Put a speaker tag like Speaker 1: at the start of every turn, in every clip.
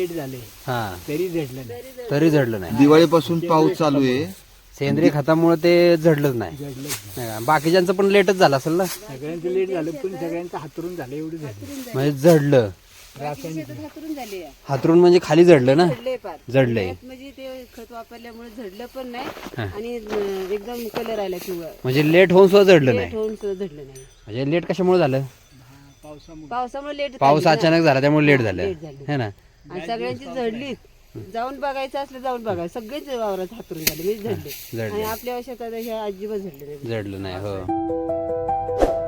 Speaker 1: Late झाले
Speaker 2: हा
Speaker 1: तरी झडलं नाही.
Speaker 2: तरी झडलं नाही.
Speaker 3: दिवाळीपासून पाऊस चालू आहे.
Speaker 2: सेंद्रिय खतामुळे ते झडलंच नाही.
Speaker 1: झडलं
Speaker 2: नाही का? बाकीच्यांचं पण लेटच झालं असेल ना.
Speaker 1: सगळ्यांचं लेट झालं पण सगळ्यांचं हातरून झालं एवढं झालं.
Speaker 2: म्हणजे झडलं.
Speaker 4: हातरून झाले
Speaker 2: हातरून म्हणजे खाली झडलं ना.
Speaker 4: झडले पार
Speaker 2: झडलंय
Speaker 4: म्हणजे ते खत वापरल्यामुळे झडलं पण नाही आणि एकदम कलर आला पिवळा.
Speaker 2: म्हणजे लेट होऊन सुद्धा झडलं नाही.
Speaker 4: लेट होऊन सुद्धा झडलं नाही.
Speaker 2: म्हणजे लेट कशामुळे झालं.
Speaker 4: पावसामुळे लेट
Speaker 2: पाऊस अचानक झाला त्यामुळे लेट झालं
Speaker 4: लेट झालं.
Speaker 2: है ना.
Speaker 4: आणि सगळ्यांची झडली. जाऊन बघायचं असलं जाऊन बघा सगळेच वावरात हातरून झाले म्हणजे झडले
Speaker 2: झडले.
Speaker 4: आणि आपल्या शेतात हे अजिबात झडले नाही.
Speaker 2: झडलं नाही. हो.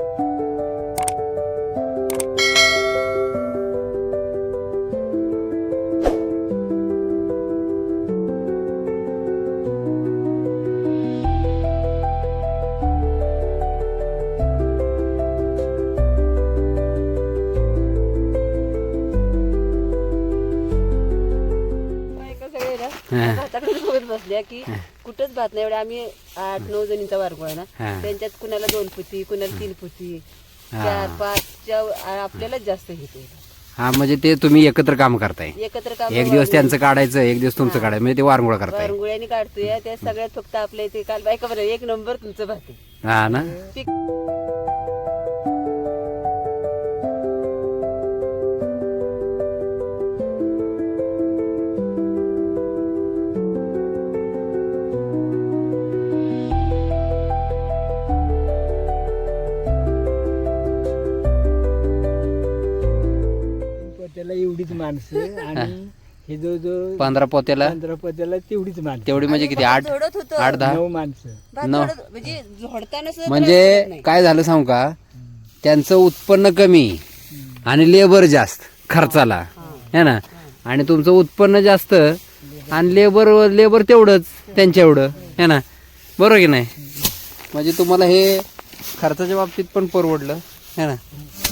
Speaker 4: बायका सगळे ना भाताकडे बघत बसल्या की कुठंच भात नाही. एवढे आम्ही 8-9 जणींचा वारगोळा आहे ना. त्यांच्यात कुणाला 2 पुती कुणाला 3 पुती 4-5 आपल्यालाच जास्त घेते.
Speaker 2: हा म्हणजे ते तुम्ही एकत्र काम करताय.
Speaker 4: एकत्र काम
Speaker 2: एक दिवस त्यांचं काढायचं एक दिवस तुमचं काढायचं म्हणजे ते वारंगुळा करताय.
Speaker 4: वारंगुळ्याने काढतोय त्या सगळ्यात फक्त आपल्या इथे काल बायका बरं 1 नंबर तुमचं भात आहे.
Speaker 2: हा ना.
Speaker 4: पीक
Speaker 1: त्याला एवढीच माणसं आणि हे जो
Speaker 2: 15 पोत्याला
Speaker 1: 15 पत्याला तेवढीच माणसं.
Speaker 2: तेवढी म्हणजे किती 8
Speaker 4: झोडत होतं
Speaker 2: 8-10
Speaker 1: 9 माणसं.
Speaker 4: भात झोडत म्हणजे झोडताना सुद्धा
Speaker 2: म्हणजे काय झालं सांगू का. त्यांचं उत्पन्न कमी आणि लेबर जास्त खर्चाला है ना. आणि तुमचं उत्पन्न जास्त आणि लेबर तेवढंच त्यांच्या एवढं है ना. बरोबर की नाही. म्हणजे तुम्हाला हे खर्चाच्या बाबतीत पण परवडलं है ना.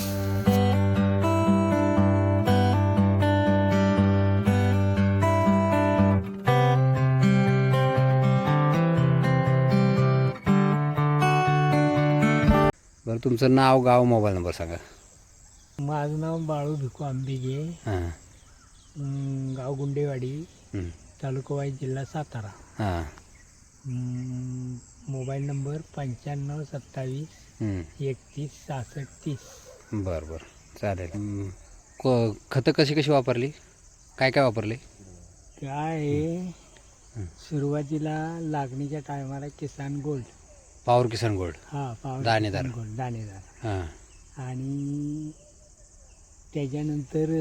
Speaker 2: बरं तुमचं नाव गाव मोबाईल नंबर सांगा.
Speaker 1: माझं नाव बाळू भिकू आंबिगे,
Speaker 2: हां
Speaker 1: गाव गुंडेवाडी,
Speaker 2: हं.
Speaker 1: तालुका वाई, जिल्हा सातारा.
Speaker 2: हां
Speaker 1: मोबाईल नंबर 9527
Speaker 2: हं.
Speaker 1: 31 66 30.
Speaker 2: बरं बरं चालेल. खतं कशी वापरली काय वापरले.
Speaker 1: काय आहे, सुरुवातीला लागणीच्या टायमाला Kisan gold.
Speaker 2: Power Kisan gold.
Speaker 1: हा पॉवर
Speaker 2: दाणेदार.
Speaker 1: किसान गोल्ड दाणेदार.
Speaker 2: हां
Speaker 1: आणि त्याच्यानंतर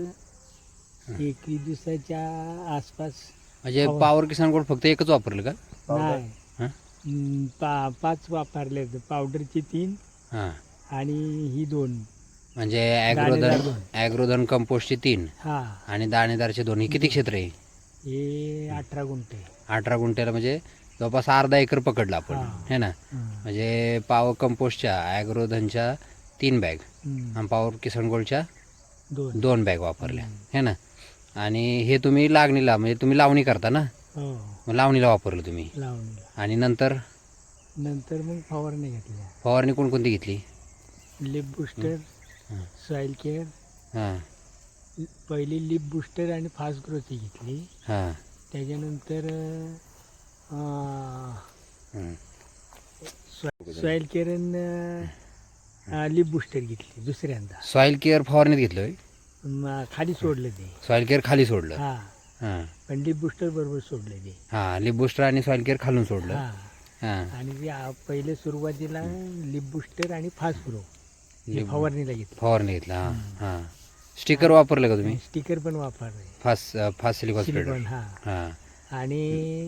Speaker 1: 21 दिवसाच्या आसपास
Speaker 2: म्हणजे पॉवर किसान गोल्ड फक्त एकच वापरलं का.
Speaker 1: नाही,
Speaker 2: हां
Speaker 1: 5 वापरले. पावडरची 3
Speaker 2: हां
Speaker 1: आणि ही 2.
Speaker 2: म्हणजे
Speaker 1: दाणेदार दोन.
Speaker 2: ॲग्रोधन कंपोस्टचे 3
Speaker 1: हा
Speaker 2: आणि दाणेदारचे 2. हे किती क्षेत्र आहे.
Speaker 1: हे 18 गुंठे.
Speaker 2: 18 गुंठ्याला म्हणजे जवळपास अर्धा एकर पकडला आपण
Speaker 1: हां.
Speaker 2: है ना. म्हणजे पॉवर कंपोस्टच्या ॲग्रोधनच्या 3 बॅग आणि पॉवर किसान गोल्डच्या 2 बॅग वापरल्या है ना. आणि हे तुम्ही लागणीला म्हणजे तुम्ही लावणी करता ना.
Speaker 1: हो
Speaker 2: मग लावणीला वापरलं तुम्ही.
Speaker 1: लावणीला.
Speaker 2: आणि नंतर
Speaker 1: मग फवारणी घेतल्या.
Speaker 2: फवारणी कोणकोणती घेतली.
Speaker 1: Leap booster, soil care.
Speaker 2: हां
Speaker 1: पहिली लिप बुस्टर आणि फास्ट ग्रोथची घेतली.
Speaker 2: हां
Speaker 1: त्याच्यानंतर
Speaker 2: हं.
Speaker 1: सॉइल केअर लिप बुस्टर घेतली दुसऱ्यांदा.
Speaker 2: सॉईल केअर फवारणीत घेतलं होय?
Speaker 1: खाली सोडलं ते.
Speaker 2: सॉईल केअर खाली सोडलं.
Speaker 1: हा
Speaker 2: हां
Speaker 1: पण लिप बुस्टर बरोबर सोडलं ते.
Speaker 2: हां लिप बुस्टर आणि सॉईल केअर खालून सोडलं.
Speaker 1: हा
Speaker 2: हां
Speaker 1: आणि ते पहिले सुरुवातीला लिप बुस्टर आणि फास्ट ग्रो फवारणीला घेतली.
Speaker 2: फवारणी घेतलं. हां हां स्टिकर वापरलं का तुम्ही.
Speaker 1: स्टिकर पण वापरले.
Speaker 2: Fast silicone spreader.
Speaker 1: सिलिकॉन. हा
Speaker 2: हां
Speaker 1: आणि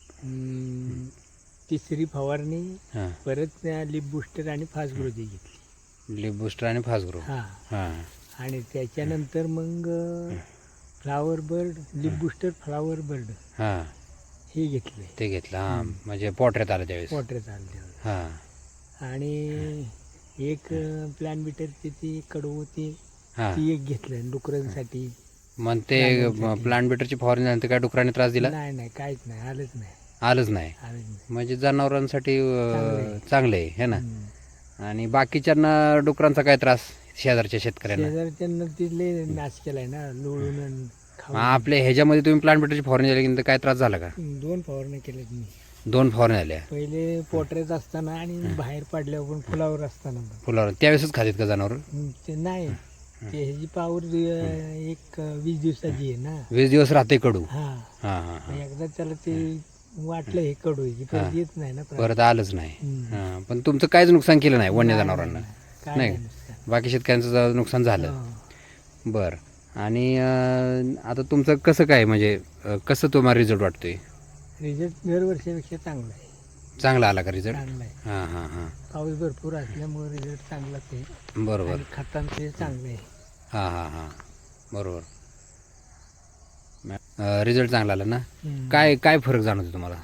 Speaker 1: तिसरी फवारणी
Speaker 2: हां
Speaker 1: परत लिप बुस्टर आणि फास्ट ग्रोची घेतली.
Speaker 2: लिप बुस्टर आणि फास्ट ग्रो.
Speaker 1: हा
Speaker 2: हां
Speaker 1: आणि त्याच्यानंतर मग flower bird, leap booster flower bird
Speaker 2: हां
Speaker 1: हे घेतले.
Speaker 2: ते घेतलं. हां म्हणजे पोटऱ्यात आलं त्यावेळेस.
Speaker 1: पोटऱ्यात आणले.
Speaker 2: हां
Speaker 1: आणि एक प्लॅन बिटरची ती कडू होती
Speaker 2: हां
Speaker 1: ती एक घेतलं डुकरांसाठी.
Speaker 2: मग ते प्लांट बेटरची फवारणी झाल्यानंतर काय डुकरांनी त्रास दिला.
Speaker 1: नाही काहीच नाही, आलंच नाही.
Speaker 2: आलंच नाही. म्हणजे जनावरांसाठी चांगलं आहे है ना. आणि बाकीच्यांना डुकरांचा काय त्रास शेजारच्या शेतकऱ्यांना.
Speaker 1: शेजारच्यांना तिथले नाश केलाय ना लोळून खाऊ
Speaker 2: आपल्या ह्याच्यामध्ये तुम्ही प्लांट बेटरची फवारणी झाली की काय त्रास झाला का?
Speaker 1: 2 फवारण्या केल्यात मी.
Speaker 2: 2 फवारणी झाल्या
Speaker 1: पहिले पोटऱ्यात असताना आणि बाहेर पडल्यावर पण फुलावर असताना पण.
Speaker 2: फुलावर त्यावेळेसच खातात का जनावर?
Speaker 1: ते नाही, ते ह्याची पावर एक 20 दिवसाची आहे ना.
Speaker 2: 20 दिवस राहते कडू.
Speaker 1: हा,
Speaker 2: हां हां हां.
Speaker 1: एकदा त्याला ते वाटलं हे कडू आहे की परत येत नाही ना
Speaker 2: परत आलंच नाही. हां, पण तुमचं काहीच नुकसान केलं नाही वन्य जनावरांना?
Speaker 1: काय
Speaker 2: नाही.
Speaker 1: नुसतं.
Speaker 2: बाकी शेतकऱ्यांचं नुकसान झालं.
Speaker 1: हो.
Speaker 2: बरं. आणि आता तुमचं कसं काय म्हणजे कसं तुम्हाला रिझल्ट वाटतोय?
Speaker 1: रिझल्ट दरवर्षीपेक्षा चांगला आहे.
Speaker 2: चांगला आला का रिझल्ट?
Speaker 1: चांगला आहे.
Speaker 2: हां हां हां.
Speaker 1: पाऊस भरपूर असल्यामुळे रिझल्ट चांगलाच आहे.
Speaker 2: बरोबर.
Speaker 1: आणि खतांचे चांगले आहे.
Speaker 2: हां हां हां. बरोबर. रिझल्ट चांगला आला ना? काय काय फरक जाणवतो तुम्हाला?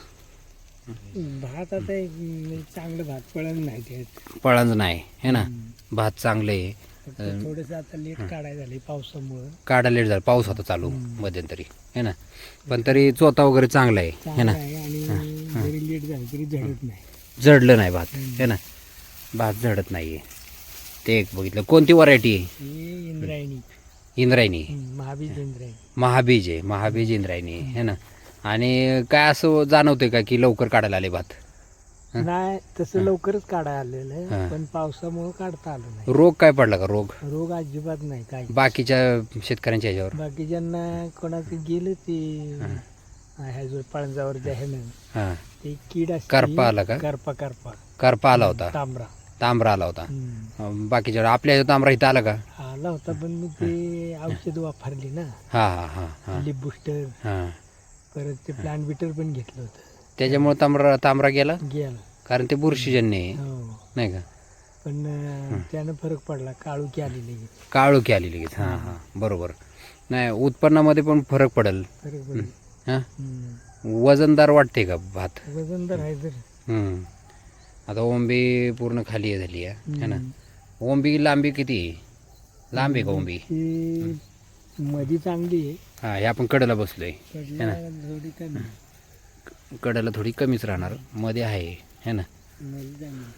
Speaker 1: भात आता एक चांगलं भात पळण नाही त्यात.
Speaker 2: पळांच नाही है ना? भात चांगले आहे.
Speaker 1: थोडस आता लेट काढायला झाले पावसामुळे.
Speaker 2: काढा लेट झाला, पाऊस होता चालू मध्यंतरी है ना? पण तरी चोथा वगैरे चांगला आहे है
Speaker 1: चांगलं
Speaker 2: ना?
Speaker 1: आहे आणि जरी लेट झालं तरी झडत नाही.
Speaker 2: जडलं नाही भात है ना? भात झडत नाही आहे. ते एक बघितलं. कोणती व्हरायटी आहे?
Speaker 1: हे इंद्रायणी,
Speaker 2: इंद्रायणी.
Speaker 1: महाबीज इंद्रायणी.
Speaker 2: महाबीज आहे. महाबीज इंद्रायणी है ना? आणि काय असं जाणवतंय का की लवकर काढायला आले भात?
Speaker 1: नाही तसं लवकरच काढायला आलेलं
Speaker 2: हां.
Speaker 1: आहे, पण पावसामुळे काढता आलं नाही.
Speaker 2: रोग काय पडला का? रोग
Speaker 1: रोग अजिबात नाही काय.
Speaker 2: बाकीच्या शेतकऱ्यांच्या ह्याच्यावर?
Speaker 1: बाकीच्यांना कोणाचं गेलं ते ह्या जो पळंजावरच्या ह्यानं
Speaker 2: हां.
Speaker 1: ते कीड असते.
Speaker 2: करपा आला का?
Speaker 1: करपा
Speaker 2: करपा आला होता.
Speaker 1: तांबरा
Speaker 2: तांबरा आला होता. बाकीच्या आपल्या ह्याच्यात तांबरा इथं आला का?
Speaker 1: आला होता, पण मी ते औषध वापरली ना.
Speaker 2: हां हां हां हां
Speaker 1: लिप बुस्टर,
Speaker 2: हां.
Speaker 1: परत ते प्लांट बिटर पण घेतलं होतं.
Speaker 2: त्याच्यामुळे तांबरा गेला
Speaker 1: गेला.
Speaker 2: कारण ते बुरशीजन्य आहे
Speaker 1: हो,
Speaker 2: नाही का?
Speaker 1: पण त्यानं फरक पडला. काळुकी आली लगेच.
Speaker 2: काळोखी आली लगेच. हां हां बरोबर. नाही उत्पन्नामध्ये पण फरक पडेल.
Speaker 1: फरक पडला.
Speaker 2: हां. वजनदार वाटते का भात?
Speaker 1: वजनदार आहे तर.
Speaker 2: आता ओंबी पूर्ण खाली झाली आहे है ना? ओंबी लांबी किती आहे? लांब आहे का ओंबी?
Speaker 1: ती मधी चांगली आहे.
Speaker 2: हां, हे आपण कडेला बसलोय.
Speaker 1: कडला थोडी कमी.
Speaker 2: कडेला थोडी कमीच राहणार, मध्ये आहे है ना?
Speaker 1: मधी चांगली.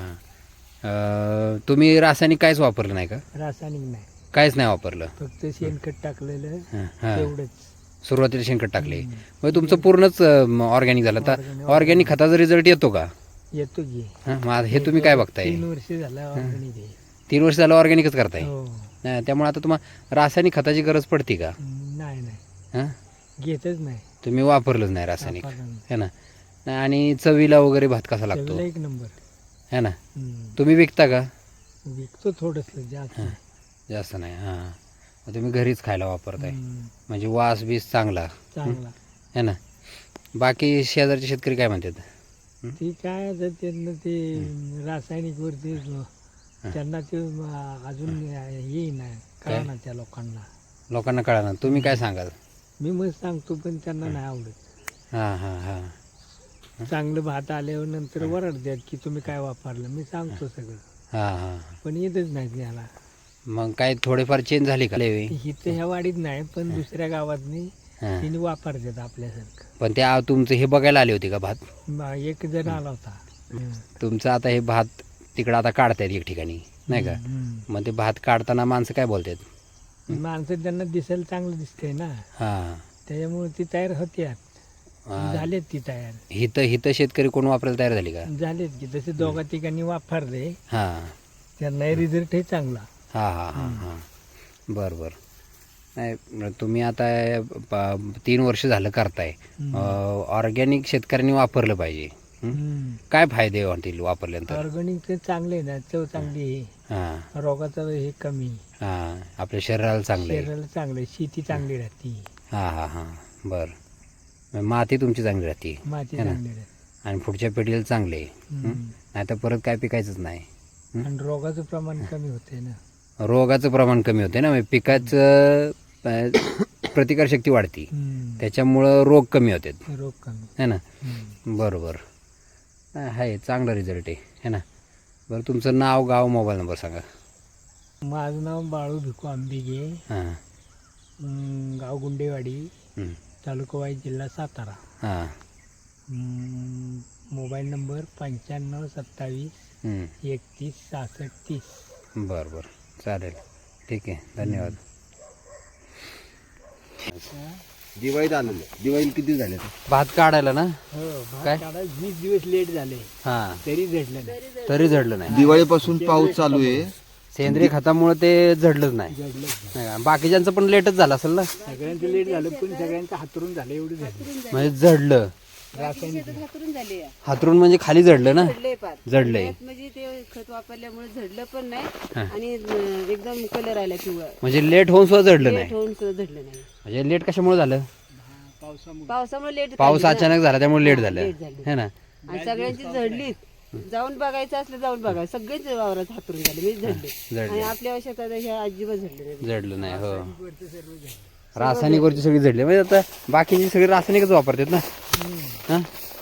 Speaker 2: हां. तुम्ही रासायनिक काहीच वापरलं नाही का?
Speaker 1: रासायनिक नाही,
Speaker 2: काहीच नाही वापरलं?
Speaker 1: फक्त शेणखत टाकलेलं
Speaker 2: हां.
Speaker 1: तेवढंच.
Speaker 2: सुरुवातीला शेणखत टाकले. मग तुमचं पूर्णच ऑर्गॅनिक झालं. तर ऑर्गॅनिक खताचा रिझल्ट येतो का?
Speaker 1: येतो की.
Speaker 2: हां, मग हे तुम्ही काय बघताय?
Speaker 1: 3 वर्ष झालं organic आहे.
Speaker 2: 3 वर्ष झालं ऑर्गॅनिकच करताय.
Speaker 1: हो.
Speaker 2: त्यामुळे आता तुम्हाला रासायनिक खताची गरज पडते का?
Speaker 1: नाही नाही,
Speaker 2: हां,
Speaker 1: घेतच नाही.
Speaker 2: तुम्ही वापरलंच नाही रासायनिक
Speaker 1: वापरलं नाही.
Speaker 2: है ना? नाही, आणि चवीला वगैरे भात कसा लागतो
Speaker 1: चवीला 1 नंबर.
Speaker 2: है ना? तुम्ही विकता का?
Speaker 1: विकतो थोडस, जास्त नाही.
Speaker 2: जास्त नाही. हां, मग तुम्ही घरीच खायला वापरताय.
Speaker 1: हम्म,
Speaker 2: म्हणजे वास बीस चांगला
Speaker 1: चांगला.
Speaker 2: है ना? बाकी शेजारचे शेतकरी काय म्हणतात?
Speaker 1: ते काय आता त्यांना ते रासायनिक वरती त्यांना ते अजून येईना कळना त्या
Speaker 2: लोकांना कळा ना. तुम्ही काय सांगाल?
Speaker 1: मी मस्त सांगतो, पण त्यांना नाही आवडत.
Speaker 2: हां हां हां
Speaker 1: चांगलं भात आल्यावर नंतर वरडतात की तुम्ही काय वापरलं. मी सांगतो सगळं,
Speaker 2: हां हां.
Speaker 1: पण येतच नाही त्याला.
Speaker 2: मग काय थोडेफार चेंज झाली का?
Speaker 1: इथं ह्या वाडीत नाही, पण दुसऱ्या गावातनी
Speaker 2: हां.
Speaker 1: तिने वापरतात आपल्यासारखं.
Speaker 2: पण त्या तुमचं हे बघायला आले होते का भात?
Speaker 1: एक जण आला होता.
Speaker 2: तुमचं आता हे भात तिकडं आता काढतायत एक ठिकाणी नाही का? मग ते भात काढताना माणसं काय बोलतात?
Speaker 1: माणसं त्यांना दिसायला चांगलं दिसतंय ना,
Speaker 2: हां.
Speaker 1: त्याच्यामुळे ती तयार होत्यात. झालेत ती तयार.
Speaker 2: हिथं शेतकरी कोण वापरायला तयार झाली का?
Speaker 1: झालेत की तसे 2 ठिकाणी वापरले,
Speaker 2: हां
Speaker 1: त्यांना रिझल्ट हे चांगला.
Speaker 2: हां हां हां हां. बरं बरं. नाही, तुम्ही आता 3 वर्ष झालं करताय. ऑर्गॅनिक शेतकऱ्यांनी वापरलं पाहिजे. काय फायदे वाटतील वापरल्यानंतर?
Speaker 1: ऑर्गॅनिक ते चांगले ना, चव चांगली आहे.
Speaker 2: हां
Speaker 1: रोगाचं हे कमी.
Speaker 2: हां, आपल्या शरीराला चांगलं आहे.
Speaker 1: शरीराला चांगलं, शेती चांगली राहते.
Speaker 2: हां हां हां. बरं. माती तुमची चांगली राहते
Speaker 1: माती
Speaker 2: है ना?
Speaker 1: चांगली राहते.
Speaker 2: आणि पुढच्या पिढीला चांगले आहे. नाही तर परत काय पिकायचंच नाही.
Speaker 1: आणि रोगाचं प्रमाण कमी होते ना.
Speaker 2: रोगाचं प्रमाण कमी होते ना, म्हणजे पिकाचं प्रतिकारशक्ती वाढते, त्याच्यामुळं रोग कमी होतात
Speaker 1: रोग कमी
Speaker 2: है ना? बरोबर आहे. चांगला रिझल्ट आहे है ना? बरं, तुमचं नाव, गाव, मोबाईल नंबर सांगा.
Speaker 1: माझं नाव बाळू भिकू आंबिगे,
Speaker 2: हां.
Speaker 1: गाव गुंडेवाडी, तालुका वाई, जिल्हा सातारा.
Speaker 2: हां.
Speaker 1: Mobile number 95 27 31 66 30.
Speaker 2: बरं बरं, चालेल, ठीक आहे, धन्यवाद.
Speaker 3: दिवाळीत आलेलं. दिवाळीला किती झाले
Speaker 2: भात काढायला ना
Speaker 1: हो भात
Speaker 2: काय?
Speaker 1: काढायला 20 दिवस लेट झाले
Speaker 2: हा
Speaker 1: तरी झडलं नाही.
Speaker 2: तरी झडलं नाही.
Speaker 3: दिवाळीपासून पाऊस चालू आहे.
Speaker 2: सेंद्रिय खतामुळे ते झडलंच नाही.
Speaker 1: झडलं
Speaker 2: नाही का? बाकीच्यांचं पण लेटच झालं असेल ना,
Speaker 1: सगळ्यांचं लेट झालं पण सगळ्यांचं हातरून झालं एवढं झालं.
Speaker 2: म्हणजे झडलं.
Speaker 1: रासायनिक
Speaker 4: हातरून झाले
Speaker 2: हातरून म्हणजे खाली झडलं ना,
Speaker 4: झडले पार
Speaker 2: झडलंय.
Speaker 4: त्यात म्हणजे ते खत वापरल्यामुळे झडलं पण नाही आणि एकदम कलर आला पिवळा
Speaker 2: म्हणजे लेट होऊन सुद्धा झडलं
Speaker 4: लेट
Speaker 2: नाही.
Speaker 4: होऊन सुद्धा झडलं नाही.
Speaker 2: म्हणजे लेट कशामुळे झालं?
Speaker 1: पावसामुळे
Speaker 4: पावसामुळे लेट
Speaker 2: पाऊस अचानक झाला त्यामुळे लेट झालं
Speaker 4: लेट झालं.
Speaker 2: है ना.
Speaker 4: आणि सगळ्यांची झडली. जाऊन बघायचं असलं जाऊन बघायचं सगळेच वावरात हातरून झाले म्हणजे झडले आणि
Speaker 2: झडलं
Speaker 4: आपल्या शेतात ह्या अजिबात झडले नाही.
Speaker 2: झडलं नाही. हो रासायनिक वरची सगळी झडली. म्हणजे आता बाकीची सगळी रासायनिकच वापरतात ना. हा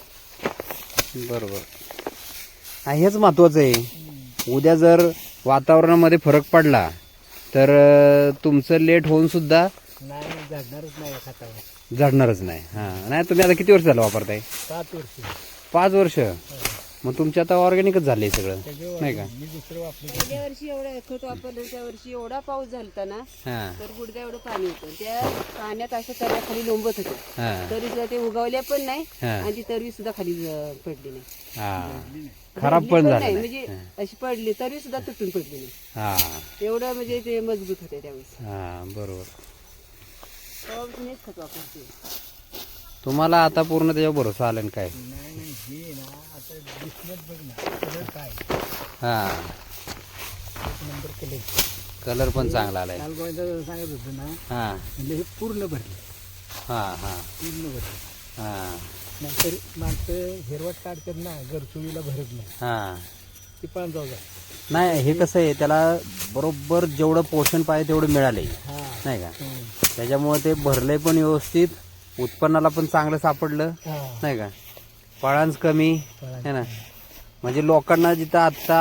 Speaker 2: बरोबर. हा, हेच महत्वाचं आहे. उद्या जर वातावरणामध्ये फरक पडला तर तुमचं लेट होऊन सुद्धा
Speaker 1: नाही झडणारच नाही या खतावर.
Speaker 2: झडणारच नाही. हा नाही तुम्ही आता किती वर्ष झालं वापरताय?
Speaker 1: 7 वर्ष
Speaker 2: 5 वर्ष. मग तुमच्या आता ऑर्गॅनिकच झालंय सगळं नाही का?
Speaker 1: मी दुसरं वापरलं.
Speaker 4: गेल्या वर्षी एवढं खत वापरलं त्या वर्षी एवढा पाऊस झालता ना
Speaker 2: हा
Speaker 4: तर गुडघ्या एवढं पाणी होतं त्या पाण्यात असं तऱ्याखाली लोंबत होतं
Speaker 2: हा
Speaker 4: तरी सुद्धा ते उगवल्या पण नाही
Speaker 2: हा.
Speaker 4: आणि ती तरी सुद्धा खाली पडली नाही.
Speaker 2: हा खराब
Speaker 4: झडली
Speaker 2: पण झालं
Speaker 4: नाही
Speaker 2: नाही.
Speaker 4: म्हणजे अशी पडली तरी सुद्धा तुटून पडली नाही.
Speaker 2: हा
Speaker 4: एवढं म्हणजे ते मजबूत होते त्यावेळेस.
Speaker 2: हा बरोबर.
Speaker 4: तेव्हापासून हेच खत वापरते.
Speaker 2: तुम्हाला आता पूर्ण त्याच्यावर भरोसा आला ना काय?
Speaker 1: नाही नाही हे ना आता दिसण्यात बघ ना कलर काय
Speaker 2: हा
Speaker 1: एक नंबर कलर.
Speaker 2: कलर पण चांगला आलाय.
Speaker 1: काल गोविंदा सांगत होतं ना
Speaker 2: हा
Speaker 1: म्हणजे हे पूर्ण भरले
Speaker 2: हा हा
Speaker 1: पूर्ण भरले.
Speaker 2: हा
Speaker 1: नाहीतर माणसं हिरवट काढतात ना गरसुळीला भरत नाही
Speaker 2: हा
Speaker 1: ती पण जाऊ
Speaker 2: नाही हे कसं आहे त्याला बरोबर जेवढं पोषण पाहिजे तेवढं मिळालंय
Speaker 1: हा
Speaker 2: नाही का?
Speaker 1: हम्म.
Speaker 2: त्याच्यामुळे ते भरलंय पण व्यवस्थित, उत्पन्नाला पण चांगलं सापडलं
Speaker 1: हा
Speaker 2: नाही का? फळांच कमी
Speaker 1: फळांचं
Speaker 2: है ना. म्हणजे लोकांना जिथं आता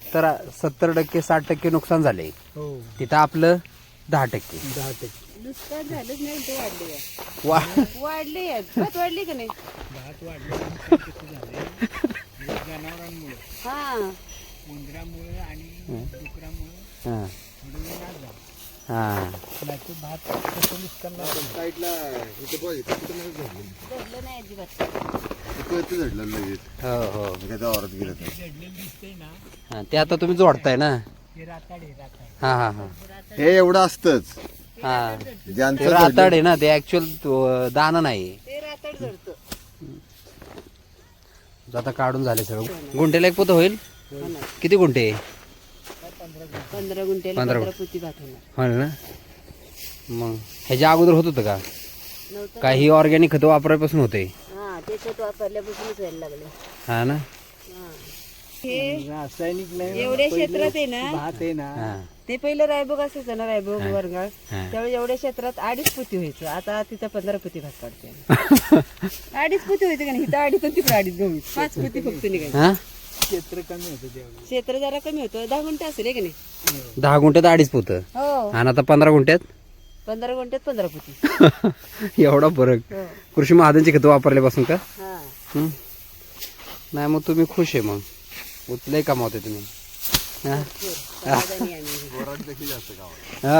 Speaker 2: 70% 60% नुकसान झालंय
Speaker 1: हो
Speaker 2: तिथं आपलं 10%.
Speaker 1: 10%.
Speaker 4: नुकसान झालंच नाही ते वाढले
Speaker 2: वा
Speaker 4: वाढले भात वाढले का नाही.
Speaker 1: भात वाढलं कसं झालंय जनावरांमुळे
Speaker 4: हा
Speaker 1: उंदरामुळे आणि डुकरामुळे
Speaker 2: हा
Speaker 1: थोडं वेळ नाश झाला.
Speaker 2: हा
Speaker 1: नाहीतर भात कसं नुकसान नाही झालं.
Speaker 3: साईडला इथे बघ इथे कुठं नाही झडलं.
Speaker 4: झडलं नाही अजिबात.
Speaker 3: इथे झडलं लगेच.
Speaker 2: हो हो
Speaker 3: त्याच्या वावरात गेलं तर.
Speaker 1: झडलेलं दिसतंय ना
Speaker 2: हा ते आता तुम्ही जोडताय ना.
Speaker 1: हे राताड आहे राताड.
Speaker 2: हा हा हा
Speaker 3: हे एवढं असतंच.
Speaker 2: हा
Speaker 3: ज्यांचं
Speaker 2: ते राताड आहे ना, ते ऍक्च्युअल दाना नाही.
Speaker 4: ते रातड झडतं.
Speaker 2: आता काढून झाले सगळं. गुंठेला एक पोतं होईल. किती गुंठे?
Speaker 4: 15 गुंठ्याला 15 पोती भात होणार.
Speaker 2: हो ना. मग ह्याच्या अगोदर होत होतं का?
Speaker 4: नव्हतं
Speaker 2: काही ऑर्गॅनिक खत वापरायपासून होते?
Speaker 4: हा ते खत वापरल्यापासूनच व्हायला लागले.
Speaker 2: हा ना.
Speaker 4: हा. हे
Speaker 1: रासायनिक नाही
Speaker 4: एवढ्या क्षेत्रात आहे ना
Speaker 1: भात आहे ना
Speaker 2: हा
Speaker 4: ते पहिलं रायबोग असायचं ना रायबोग वर्गाळ
Speaker 2: हा.
Speaker 4: त्यावेळी एवढ्या क्षेत्रात 2.5 पोती व्हायचं. आता तिथं 15 पोती भात काढते. 2.5 पोती व्हायचं का नाही इथं 2.5 आणि तिकडे 2.5 गहू 5 पोती फक्त निघायचं.
Speaker 2: हा
Speaker 1: क्षेत्र कमी होतं त्यावेळी.
Speaker 4: क्षेत्र जरा कमी होतं 10 गुंठे असेल का नाही.
Speaker 2: 10 गुंठ्यात 2.5 पोतं
Speaker 4: हो
Speaker 2: आणि आता 15 गुंठ्यात
Speaker 4: 15 गुंठ्यात 15 पोती.
Speaker 2: एवढा फरक.
Speaker 4: हो
Speaker 2: कृषी महाजनची खतं वापरल्यापासून का?
Speaker 4: हा
Speaker 2: हं? नाही मग तुम्ही खुश आहे. मग उचलंय कमावते तुम्ही. हा?
Speaker 4: समाधानी आम्ही.
Speaker 2: हा?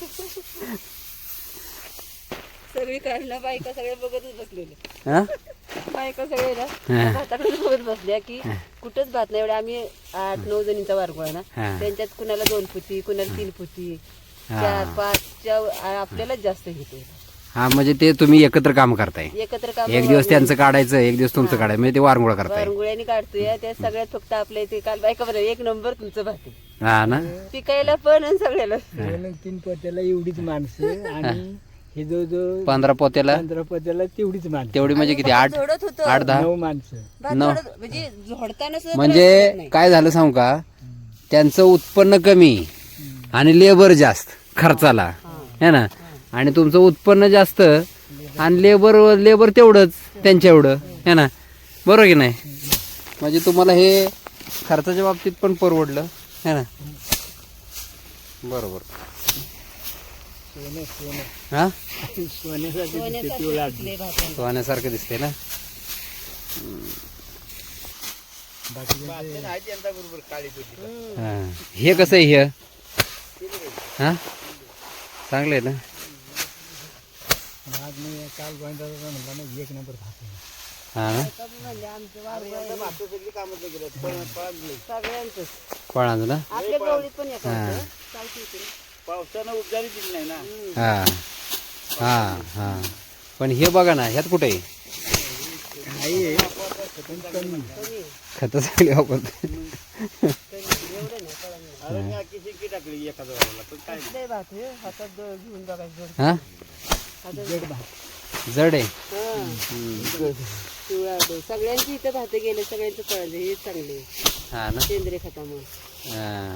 Speaker 4: सगळी काढलं बायका सगळे बघतच बसलेले.
Speaker 2: हा?
Speaker 4: बायका सगळे ना
Speaker 2: हा.
Speaker 4: भाताकडे बघत बसल्या की कुठंच भात नाही. एवढे आम्ही 8-9 जणींचा वारगोळ आहे ना
Speaker 2: हा.
Speaker 4: त्यांच्यात कुणाला 2 पोती कुणाला 3 पोती
Speaker 2: हा.
Speaker 4: 4-5 आपल्यालाच जास्त घेते.
Speaker 2: हा म्हणजे ते तुम्ही एकत्र काम करताय.
Speaker 4: एकत्र काम
Speaker 2: एक दिवस त्यांचं काढायचं, एक दिवस तुमचं काढायचं, म्हणजे ते वारंगुळा करताय.
Speaker 4: वारंगुळ्याने काढतोय त्या सगळ्यात फक्त आपल्या इथे काल बायका बरं 1 नंबर तुमचं भात आहे.
Speaker 2: हा ना.
Speaker 4: पिकायला पण आणि सगळ्याला.
Speaker 1: 2-3 पोत्याला एवढीच माणसं आणि हे जो
Speaker 2: 15 पोत्याला
Speaker 1: 15 पोत्याला तेवढीच माणसं.
Speaker 2: तेवढी म्हणजे किती? 8
Speaker 4: झोडत होतं
Speaker 2: 8-10.
Speaker 1: 9 माणसं.
Speaker 4: भात
Speaker 2: नऊ.
Speaker 4: झोडत म्हणजे झोडताना सुद्धा त्रास
Speaker 2: म्हणजे
Speaker 4: होत नाही.
Speaker 2: काय झालं सांगू का? त्यांचं उत्पन्न कमी आणि लेबर जास्त खर्चाला है ना. आणि तुमचं उत्पन्न जास्त आणि लेबर तेवढंच त्यांच्या एवढं है ना. बरोबर की नाही? म्हणजे तुम्हाला हे खर्चाच्या बाबतीत पण परवडलं है ना. बरोबर.
Speaker 1: सोनं सोनं
Speaker 2: हा
Speaker 1: सोन्यासाठी दिसते पिवळा.
Speaker 4: लय भात.
Speaker 2: सोन्यासारखं दिसते ना. हा. हे कसं आहे हे? हा चांगलं आहे ना.
Speaker 1: आज मी काल गोविंदाचा म्हणला ना 1 नंबर भात आहे.
Speaker 2: हा ना
Speaker 4: म्हणजे आमचं सगळ्यांच
Speaker 2: फळांचं ना
Speaker 4: आपल्या गवळीत पण येतात
Speaker 2: हा.
Speaker 4: चालते इकडे.
Speaker 5: पावसानं उपजारी दिली नाही ना.
Speaker 2: हा हा हा पण हे बघा ना ह्यात कुठे खत चांगली वापरते
Speaker 5: अरे मी अख्खी शिंकी टाकली एका झाडाला पण काय
Speaker 4: लय भात आहे हातात घेऊन बघायचं
Speaker 2: हा
Speaker 1: जड भात.
Speaker 2: जड आहे
Speaker 4: पिवळा होतो. सगळ्यांची इथं भात गेले सगळ्यांचं कळलं हे चांगले
Speaker 2: हा ना
Speaker 4: सेंद्रिय खतामुळे
Speaker 2: हा.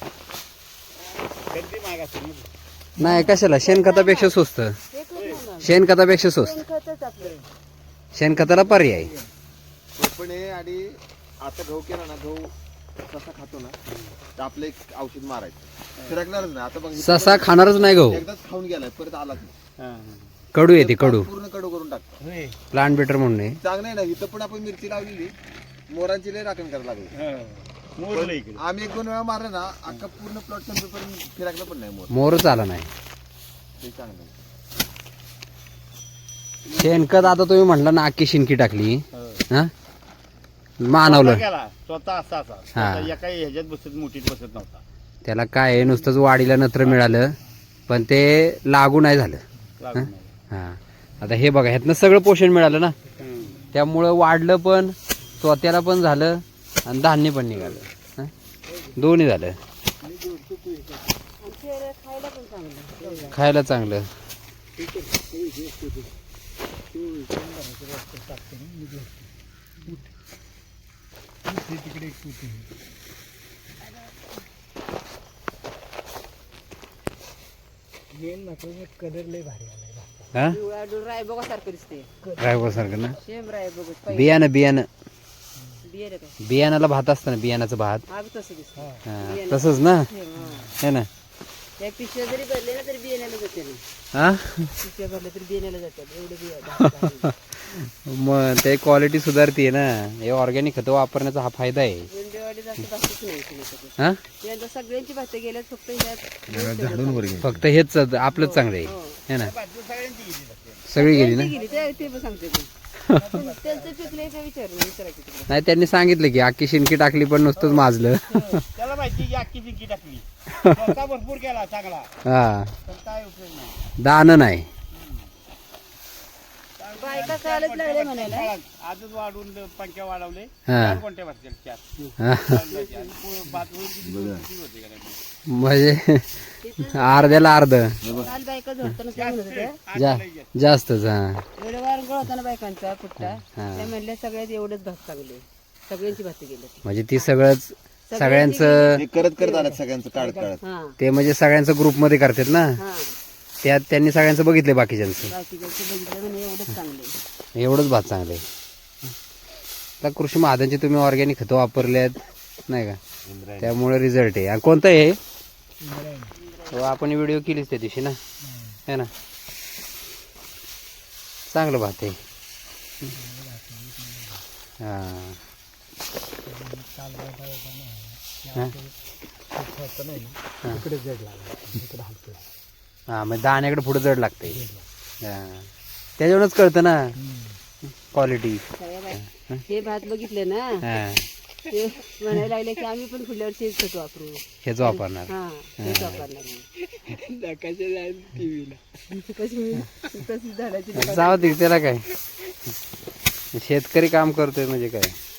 Speaker 5: कधी महाग असेल ना.
Speaker 2: नाही कशाला शेणखतापेक्षा स्वस्त शेणखतापेक्षा स्वस्त
Speaker 4: खतच आपलं
Speaker 2: शेणखताला पर्याय
Speaker 3: पण हे आणि आता गहू केला ना गहू ससा खातो ना तर आपलं एक औषध मारायचं फिरकणारच नाही आता बघ
Speaker 2: ससा खाणारच नाही गहू
Speaker 3: एकदाच खाऊन गेलाय परत आलाच नाही
Speaker 5: हा, हा.
Speaker 2: कडू येते कडू
Speaker 3: पूर्ण कडू करून टाकतो
Speaker 5: होय.
Speaker 2: प्लांट बेटर म्हणून आहे.
Speaker 3: चांगलं आहे ना इथं पण आपण मिरची लावलेली मोरांची लय राखण करायला लागली
Speaker 5: हा. मोरलं इकडे.
Speaker 3: आम्ही 1-2 वेळा मारलं ना अख्खा पूर्ण प्लॉट संपेपर्यंत फिरकलं पण नाही मोर
Speaker 2: मोरच आला नाही
Speaker 3: ते चांगलं आहे.
Speaker 2: शेणखत आता तुम्ही म्हटला ना अख्खी शिंकी टाकली
Speaker 5: हो.
Speaker 2: हा मानवलं
Speaker 5: गेला स्वतः असा
Speaker 2: हा.
Speaker 5: स्वतः एका ह्याच्यात बसत मोठीत बसत नव्हता.
Speaker 2: त्याला काय आहे, नुसतंच वाढीला नत्र मिळालं पण ते लागू नाही झालं
Speaker 5: लागून नाही.
Speaker 2: हा आता हे बघा ह्यातनं सगळं पोषण मिळालं ना
Speaker 5: हम्म.
Speaker 2: त्यामुळं वाढलं पण स्वतःला पण झालं आणि धान्य पण निघालं हा? दोन्ही झालं
Speaker 4: आणि शरीरात खायला पण चांगलं
Speaker 2: खायला चांगलं
Speaker 1: तिकडे एक पोती आहे. मेन महत्वाचं कलर लय भारी आलाय भाताचा.
Speaker 2: हा
Speaker 4: पिवळा डोर रायबोगासारखं दिसते
Speaker 2: ड्रायव्हर सारखं ना
Speaker 4: सेम रायबोगच पाहिजे
Speaker 2: बियाणं बियाणं
Speaker 4: बियर काय
Speaker 2: बियाणाला भात असतं ना बियाणाचं भात
Speaker 4: हा बी तसं दिसतं
Speaker 2: हा, तसंच ना हे ना
Speaker 4: त्या पिशव्या जरी भरले ना तरी बियाण्याला जाते ना
Speaker 2: हा
Speaker 4: पिशव्या भरल्या तरी बियाण्याला जातात एवढं बिया
Speaker 2: मग ते क्वालिटी सुधारते ना हे ऑर्गॅनिक खतं वापरण्याचा हा फायदा आहे
Speaker 4: वेंडेवाडी जास्त भातच नाही केली कधी.
Speaker 2: हा
Speaker 4: यंदा सगळ्यांची भातं गेल्यात फक्त ह्यात
Speaker 2: फक्त हेच आपलंच चांगलं आहे है ना
Speaker 5: सगळ्यांची गेली जाते.
Speaker 2: सगळी गेली ना
Speaker 4: गेली ते पण सांगते मी. त्यांचं पिकलंय ते विचारायचं तिकडे
Speaker 2: नाही त्यांनी सांगितलं की अख्खी शिंकी टाकली पण नुसतंच माजलं
Speaker 5: त्याला माहिती की अख्खी शिंकी टाकली स्वतः भरपूर केला चांगला
Speaker 2: हा
Speaker 5: पण काय उपयोग नाही.
Speaker 2: दाणं नाही
Speaker 4: बायका कालच लागले म्हणायला
Speaker 5: आजच वाढवून पंख्या वाढवले
Speaker 2: हा.
Speaker 5: चार कोणत्या भात चार
Speaker 2: हा.
Speaker 5: भात होईल किती होते का नाही?
Speaker 2: म्हणजे अर्ध्याला अर्ध
Speaker 4: काल बायका झोडताना काय म्हणत होत्या
Speaker 2: जास्तच हा
Speaker 4: एवढं वारंगळ होता ना बायकांचा कुठला त्या म्हणल्या सगळ्यात एवढंच भात चांगले सगळ्यांची भात गेले
Speaker 2: म्हणजे ती सगळंच सगळ्यांचं
Speaker 3: हे करत करत आलं सगळ्यांचं काढत काढत
Speaker 4: हा
Speaker 2: ते म्हणजे सगळ्यांचं ग्रुपमध्ये करतात ना
Speaker 4: हा
Speaker 2: त्यात त्यांनी सगळ्यांचं बघितले बाकीच्यांचं
Speaker 4: बाकीच्या बघितलं म्हणजे एवढंच चांगले
Speaker 2: एवढंच भात चांगलं आहे आता कृषी महाजनची तुम्ही ऑर्गॅनिक खतं वापरल्यात नाही का त्यामुळे रिझल्ट आहे आणि कोणतं आहे तो आपण व्हिडिओ केलीच त्या दिवशी ना है ना चांगलं भात आहे हा हा?
Speaker 1: इकडे जड लागला इकडे हलकं.
Speaker 2: हा मग दाण्याकडे पुढे जड लागते हा त्याच्यावरूनच कळतं ना क्वालिटी
Speaker 4: सगळ्या बाय हे भात बघितले ना
Speaker 2: हा
Speaker 4: ते म्हणायला लागले की आम्ही पण फुल्यावर शेत खत वापरू
Speaker 2: हेच वापरणार
Speaker 4: हा तेच वापरणार कशी तशी झाडाची
Speaker 2: जाऊ दे त्याला काय शेतकरी काम करतोय म्हणजे काय